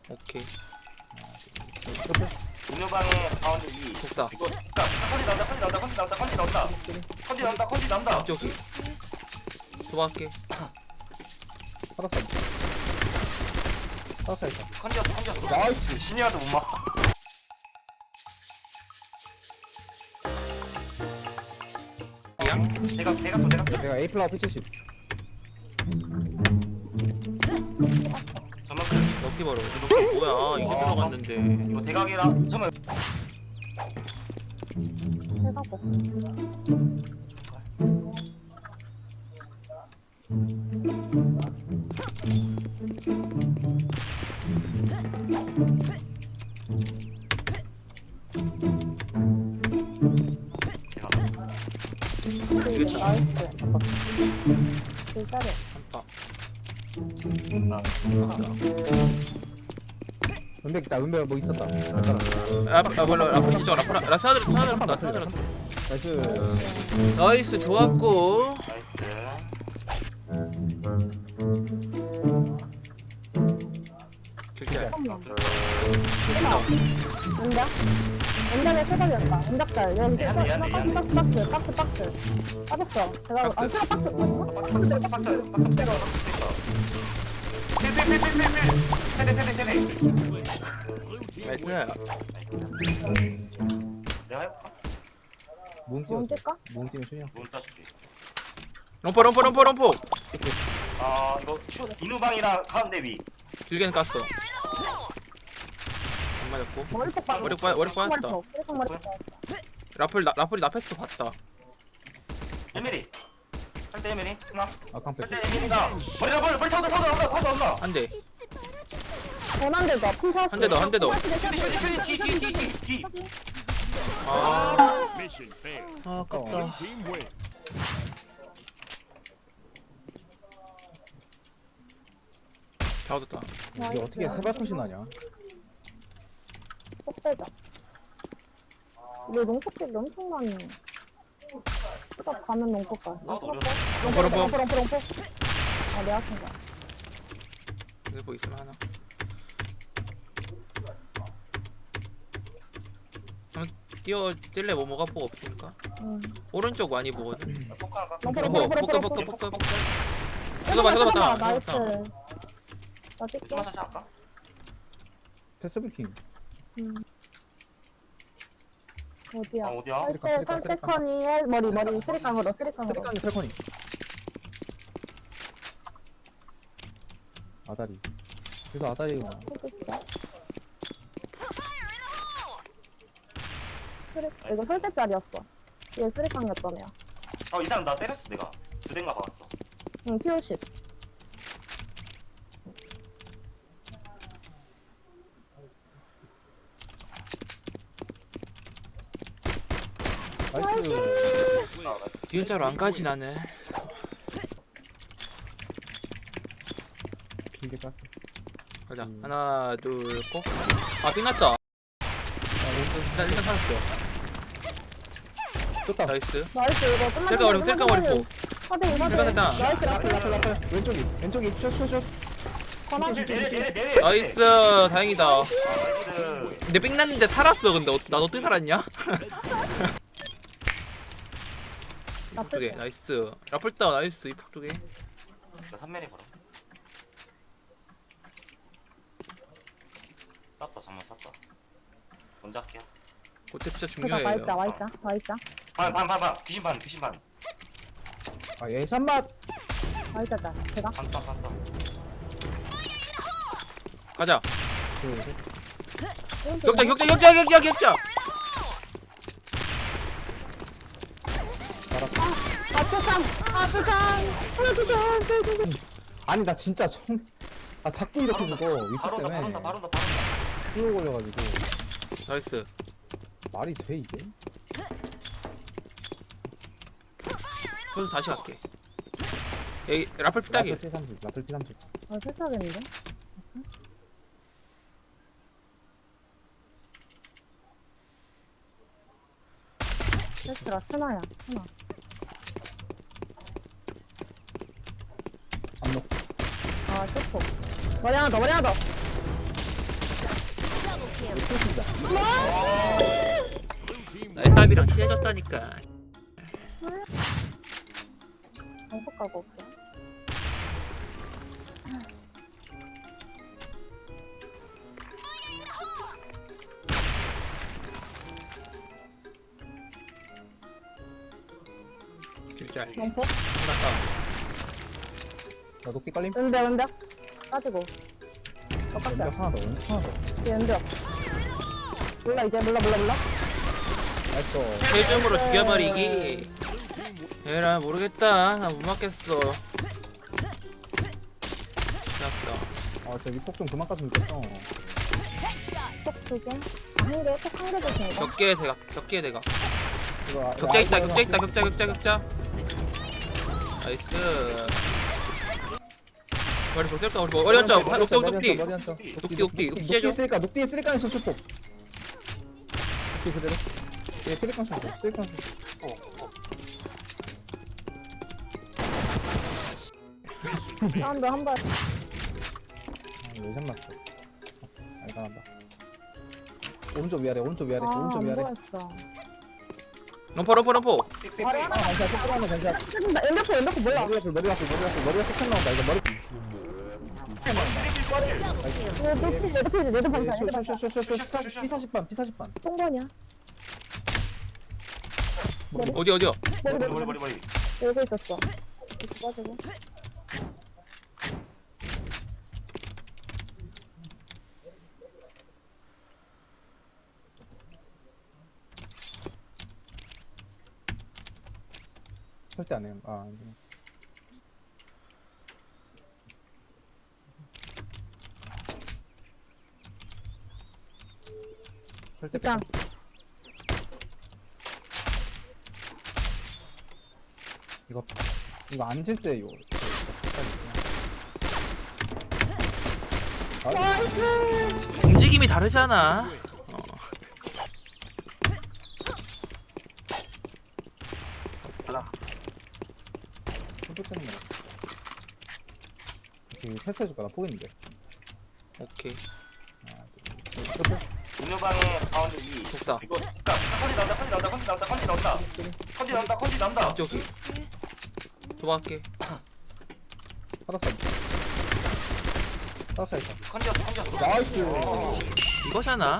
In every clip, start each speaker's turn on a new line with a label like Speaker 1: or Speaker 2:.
Speaker 1: 오케이.
Speaker 2: 동료방에 가운데 위.
Speaker 1: 독사.
Speaker 2: 이거 진짜 컨디 나온다.
Speaker 1: 저기. 도망갈게.
Speaker 3: 살았어 있다.
Speaker 2: 컨디였어.
Speaker 3: 나이스.
Speaker 2: 신이라도 못 막.
Speaker 1: 그냥?
Speaker 2: 내가 또
Speaker 3: 내가 A 플라워 P70.
Speaker 2: 저만큼
Speaker 1: 럭키 바로. 럭키 뭐야? 이게 들어갔는데.
Speaker 2: 이거 대각이랑 정말
Speaker 4: 해가고.
Speaker 1: 이거
Speaker 4: 나이스. 일자리.
Speaker 1: 한파.
Speaker 3: 은백 있다. 은백 뭐 있었다.
Speaker 1: 몰라. 라플 진짜 라플. 사들
Speaker 3: 나이스.
Speaker 1: 나이스 좋았고.
Speaker 2: 나이스.
Speaker 1: 결제.
Speaker 4: 은작? 은작에 세발이었다. 은작달. 여기 박스. 빠졌어. 제가 안 차가 박스 맞나?
Speaker 2: 박스. 세대.
Speaker 1: 나이스.
Speaker 2: 내가 해볼까?
Speaker 3: 몸
Speaker 4: 몸
Speaker 3: 뛰어.
Speaker 4: 뛸까?
Speaker 3: 몸 뛰면 순이야.
Speaker 2: 문 따줄게.
Speaker 1: 럼퍼.
Speaker 2: 아 이거 인후방이랑 가운데 위.
Speaker 1: 길게는 깠어. 안 맞았고.
Speaker 4: 머리폭 빠졌어.
Speaker 1: 머리 빠졌다.
Speaker 4: 머리폭.
Speaker 1: 라플이 나패스 봤다.
Speaker 2: 1mm. 할때 1mm. 스나.
Speaker 3: 아 깡패.
Speaker 2: 할때 1mm가 머리 타온다.
Speaker 1: 한 대.
Speaker 4: 대만들 더. 풍사시.
Speaker 1: 한 대 더.
Speaker 2: 슈디. 뒤.
Speaker 1: 아,
Speaker 5: Mission failed.
Speaker 1: 아깝다.
Speaker 5: Team win.
Speaker 1: 잘 얻었다.
Speaker 3: 이게 어떻게 세발컷이 나냐?
Speaker 4: 쏙 빼자. 우리 농폭객이 엄청 많이. 수갑 가면 농폭가.
Speaker 2: 나도
Speaker 1: 럼퍼.
Speaker 4: 롱폭. 아, 내가 큰 거야.
Speaker 1: 여기 뭐 있으면 하나. 뛸래 뭐 뭐가 보고 없으니까.
Speaker 4: 응.
Speaker 1: 오른쪽 많이 보거든.
Speaker 4: 럼퍼.
Speaker 1: 포크.
Speaker 4: 쳐다봐.
Speaker 1: 봐.
Speaker 4: 나이스. 나 뛸게.
Speaker 2: 좀만 살짝 할까?
Speaker 3: 패스브리킹.
Speaker 4: 어디야?
Speaker 2: 어디야?
Speaker 4: 설대커니의 머리 쓰리깡으로.
Speaker 3: 쓰리깡이 설커니. 아다리. 그래서 아다리가
Speaker 4: 포기했어. 이거 설대짜리였어. 얘 쓰리깡이었던 애야.
Speaker 2: 이 사람 나 때렸어 내가. 두 대인가 박았어.
Speaker 4: 응, 피오십.
Speaker 3: 나이스.
Speaker 1: 뒤은자로 안 가지 나는.
Speaker 3: 길게 깎.
Speaker 1: 가자. 하나, 둘, 고. 아, 삥났다. 일단 살았어.
Speaker 3: 떴다.
Speaker 1: 나이스.
Speaker 4: 나이스, 이거 끝났는데.
Speaker 1: 셀카 머리포.
Speaker 4: 됐다. 나이스,
Speaker 3: 라플. 왼쪽이 슛.
Speaker 4: 권한.
Speaker 2: 내려.
Speaker 1: 나이스. 다행이다.
Speaker 2: 나이스.
Speaker 1: 근데 삥났는데 살았어. 근데 나 어떻게 살았냐? 두 개. 나이스. 라플다. 나이스. 이폭 두 개.
Speaker 2: 나 3mm 걸어. 쌌다 정말 쌌다. 먼저 할게요.
Speaker 1: 그때 진짜
Speaker 4: 그다
Speaker 1: 중요해요.
Speaker 4: 와 있다.
Speaker 2: 반. 귀신 반.
Speaker 3: 아 예산 맛.
Speaker 4: 와 있다. 제가.
Speaker 2: 반.
Speaker 1: 가자.
Speaker 4: 오른쪽
Speaker 1: 격자.
Speaker 4: 아프상.
Speaker 3: 아니 나 진짜 아 자꾸 이렇게 죽어. 위치
Speaker 2: 바로
Speaker 3: 때문에
Speaker 2: 온다.
Speaker 3: 수요 걸려가지고.
Speaker 1: 나이스.
Speaker 3: 말이 돼 이게?
Speaker 1: 그래서 다시 갈게. 여기 라플 피딱이.
Speaker 3: 라플 P30.
Speaker 4: 아, 패스하겠는데? 패스라 스나야. 스나.
Speaker 3: 압록.
Speaker 4: 아, 슈퍼. 머리 하나 더.
Speaker 3: 쏘신다.
Speaker 1: 나의 땀이랑 친해졌다니까.
Speaker 4: 방폭 가고 올게.
Speaker 1: 길잘.
Speaker 4: 방폭.
Speaker 1: 끝났다.
Speaker 3: 나 높이 깔림.
Speaker 4: 왼벽. 빠지고. 깜짝이야.
Speaker 3: 왼벽 하나 더, 왼벽 하나 더.
Speaker 4: 왼벽. 몰라, 이제 몰라.
Speaker 3: 나이스.
Speaker 1: 최종으로 죽여버리기. 에라 모르겠다. 나 못 맞겠어. 끝났다.
Speaker 3: 아, 저 위폭 좀 그만 깠으면 좋겠어.
Speaker 4: 폭 2개. 아, 1개. 폭 1개 조심해봐.
Speaker 1: 격계 대각. 격계 대각.
Speaker 3: 이거
Speaker 1: 격자 있다. 격자. 나이스. 머리 볼까? 머리 한자. 녹디.
Speaker 3: 머리 한자.
Speaker 1: 녹디. 찢어줘.
Speaker 3: 녹디 쓰리깡에서 슈폭. 녹디 그대로. 얘 쓰리깡 슈폭. 쓰리깡 슈폭.
Speaker 4: 사운드 한 발.
Speaker 3: 아, 레전 났어. 알간한다. 오른쪽 위아래.
Speaker 4: 아,
Speaker 3: 오른쪽 위아래.
Speaker 4: 뭐했어.
Speaker 1: 럼퍼.
Speaker 4: 머리 하나.
Speaker 3: 괜찮아. 조금만 괜찮아.
Speaker 4: 뜯는다. 왼벽 몰라.
Speaker 3: 머리가 쏙 나온다. 이거 머리.
Speaker 4: 얘도 방사.
Speaker 3: B40반.
Speaker 4: 똥번이야.
Speaker 1: 어디야?
Speaker 2: 머리.
Speaker 4: 여기 있었어. 빠지고.
Speaker 3: 절대 안 해요. 아, 안 돼. 절대
Speaker 4: 일단
Speaker 3: 이거 앉을 때 이거. 아,
Speaker 4: 나이스.
Speaker 1: 움직임이 다르잖아.
Speaker 3: 깜짝이야. 이렇게 패스해줄까? 나 포기인데.
Speaker 1: 오케이.
Speaker 2: 인후방에 가운데 위.
Speaker 1: 좋다.
Speaker 2: 이거 진짜 컨디 나온다.
Speaker 1: 저기. 도망갈게.
Speaker 3: 바닥 사이드.
Speaker 2: 컨디였어.
Speaker 3: 나이스.
Speaker 1: 이거잖아.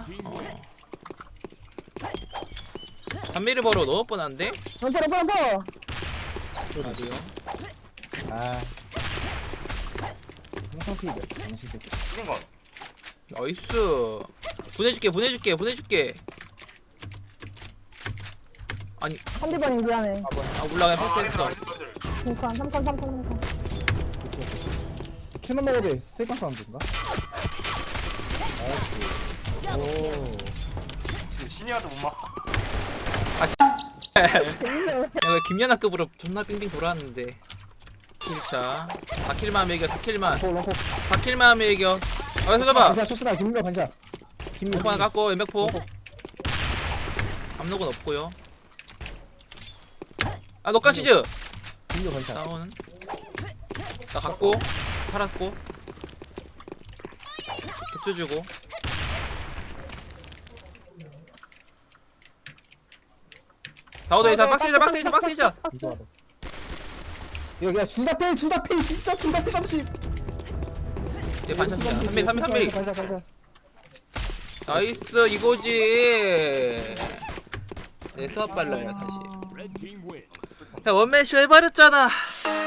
Speaker 1: 단미를 벌어 넣을 뻔한데?
Speaker 4: 럼퍼.
Speaker 1: 어디요?
Speaker 3: 아. 항상 피해. 당신 새끼.
Speaker 2: 이긴 건.
Speaker 1: 나이스. 보내줄게. 아니,
Speaker 4: 한디번이 미안해.
Speaker 1: 올라가
Speaker 2: 아,
Speaker 1: 패스했어.
Speaker 4: 3칸.
Speaker 3: 킬만 먹어도 돼. 세이컨 사운드인가? 나이스. 오.
Speaker 2: 지금 신이와도 못 막.
Speaker 4: 재밌네.
Speaker 1: 내가 김연아급으로 존나 빙빙 돌았는데. 1차. 4킬만 매겨, 4킬만.
Speaker 3: 롱포.
Speaker 1: 4킬만 매겨. 서봐.
Speaker 3: 반샷 쇼스나 김민가 반샷.
Speaker 1: 폭 하나 깎고, 왼백포. 압록은 없고요. 아, 녹가 시즈!
Speaker 3: 김민가 반샷.
Speaker 1: 다운은. 나 갖고, 팔았고. 격투 주고. 다우도 이사 박스 이자.
Speaker 3: 이거 하러. 이거 야 둘다 필 진짜 둘다 필 30.
Speaker 1: 얘 반샷이야. 3mm.
Speaker 3: 반샷.
Speaker 1: 나이스, 이거지. 네, 수업 빨라요, 다시. 야, 원맨쇼 해버렸잖아.